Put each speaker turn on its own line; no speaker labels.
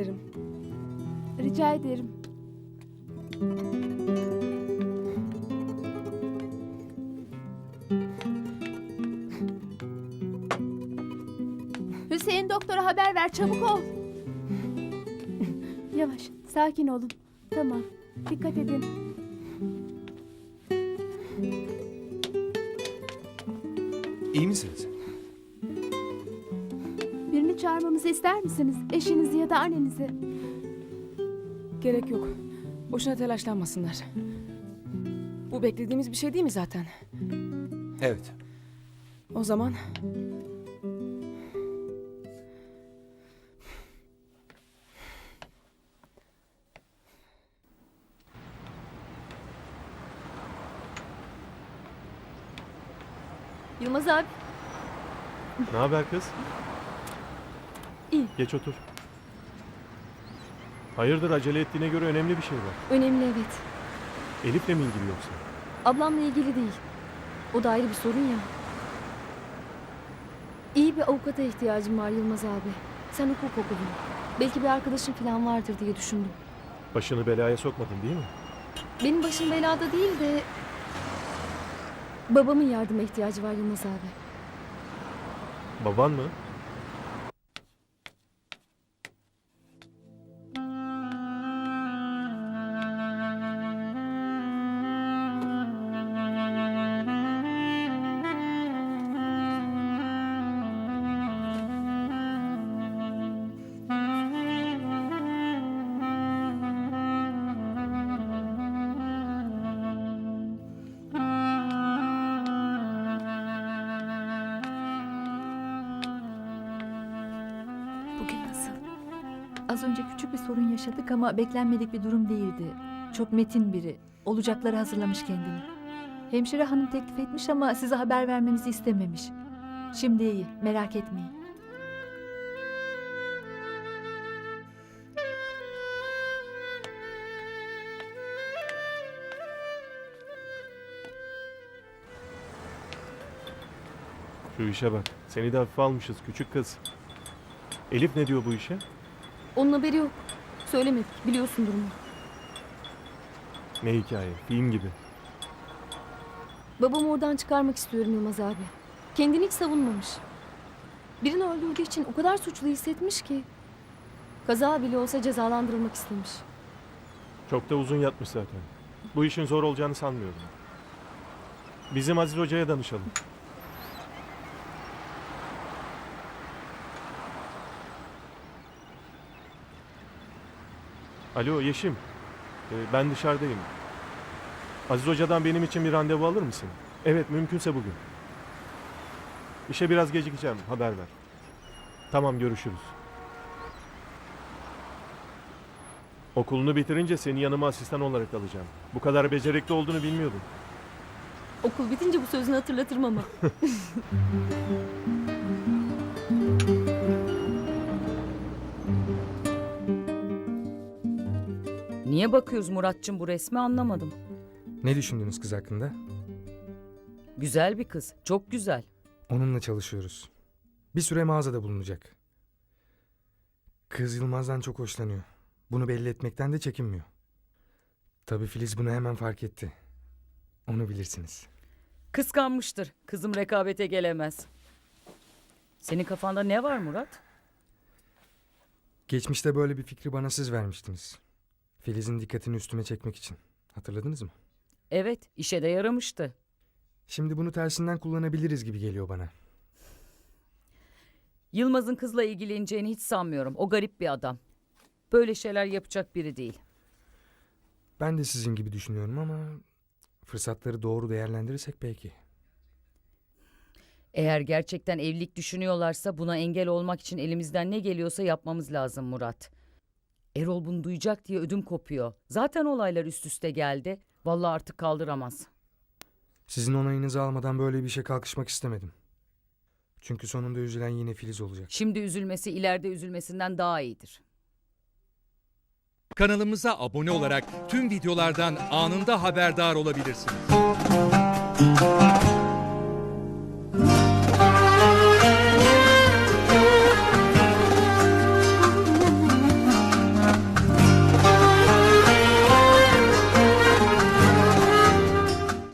ederim.
Rica ederim. Hüseyin doktora haber ver, çabuk ol. Yavaş, sakin olun. Tamam, dikkat edin.
İyi misiniz?
Birini çağırmamızı ister misiniz? Eşinizi ya da annenizi.
Gerek yok. Boşuna telaşlanmasınlar. Bu beklediğimiz bir şey değil mi zaten?
Evet.
O zaman...
Yılmaz abi.
Ne haber kız?
İyi.
Geç otur. Hayırdır, acele ettiğine göre önemli bir şey var.
Önemli, evet.
Elif'le mi ilgili yoksa?
Ablamla ilgili değil. O da ayrı bir sorun ya. İyi bir avukata ihtiyacım var Yılmaz abi. Sen hukuk okudun. Belki bir arkadaşın falan vardır diye düşündüm.
Başını belaya sokmadın değil mi?
Benim başım belada değil de... Babamın yardıma ihtiyacı var Yılmaz abi.
Baban mı?
Bugün nasıl? Az önce küçük bir sorun yaşadık ama beklenmedik bir durum değildi. Çok metin biri. Olacakları hazırlamış kendini. Hemşire hanım teklif etmiş ama size haber vermemizi istememiş. Şimdi iyi, merak etmeyin.
Şu işe bak. Seni de hafife almışız küçük kız. Elif ne diyor bu işe?
Onun haberi yok. Söylemedik, biliyorsun durumu.
Ne hikaye? Film gibi.
Babamı oradan çıkarmak istiyorum Yılmaz abi. Kendini hiç savunmamış. Birini öldürdüğü için o kadar suçlu hissetmiş ki. Kaza bile olsa cezalandırılmak istemiş.
Çok da uzun yatmış zaten. Bu işin zor olacağını sanmıyorum. Bizim Aziz Hoca'ya danışalım. Alo Yeşim. Ben dışarıdayım. Aziz Hoca'dan benim için bir randevu alır mısın? Evet, mümkünse bugün. İşe biraz gecikeceğim, haber ver. Tamam, görüşürüz. Okulunu bitirince seni yanıma asistan olarak alacağım. Bu kadar becerikli olduğunu bilmiyordum.
Okul bitince bu sözünü hatırlatırım ama.
Niye bakıyoruz Muratçım bu resmi anlamadım.
Ne düşündünüz kız hakkında?
Güzel bir kız, çok güzel.
Onunla çalışıyoruz. Bir süre mağazada bulunacak. Kız Yılmaz'dan çok hoşlanıyor. Bunu belli etmekten de çekinmiyor. Tabii Filiz bunu hemen fark etti. Onu bilirsiniz.
Kıskanmıştır, kızım rekabete gelemez. Senin kafanda ne var Murat?
Geçmişte böyle bir fikri bana siz vermiştiniz. Filiz'in dikkatini üstüme çekmek için. Hatırladınız mı?
Evet, işe de yaramıştı.
Şimdi bunu tersinden kullanabiliriz gibi geliyor bana.
Yılmaz'ın kızla ilgileneceğini hiç sanmıyorum. O garip bir adam. Böyle şeyler yapacak biri değil.
Ben de sizin gibi düşünüyorum ama fırsatları doğru değerlendirirsek belki.
Eğer gerçekten evlilik düşünüyorlarsa buna engel olmak için elimizden ne geliyorsa yapmamız lazım Murat. Erol bunu duyacak diye ödüm kopuyor. Zaten olaylar üst üste geldi. Vallahi artık kaldıramaz.
Sizin onayınızı almadan böyle bir işe kalkışmak istemedim. Çünkü sonunda üzülen yine Filiz olacak.
Şimdi üzülmesi ileride üzülmesinden daha iyidir.
Kanalımıza abone olarak tüm videolardan anında haberdar olabilirsiniz.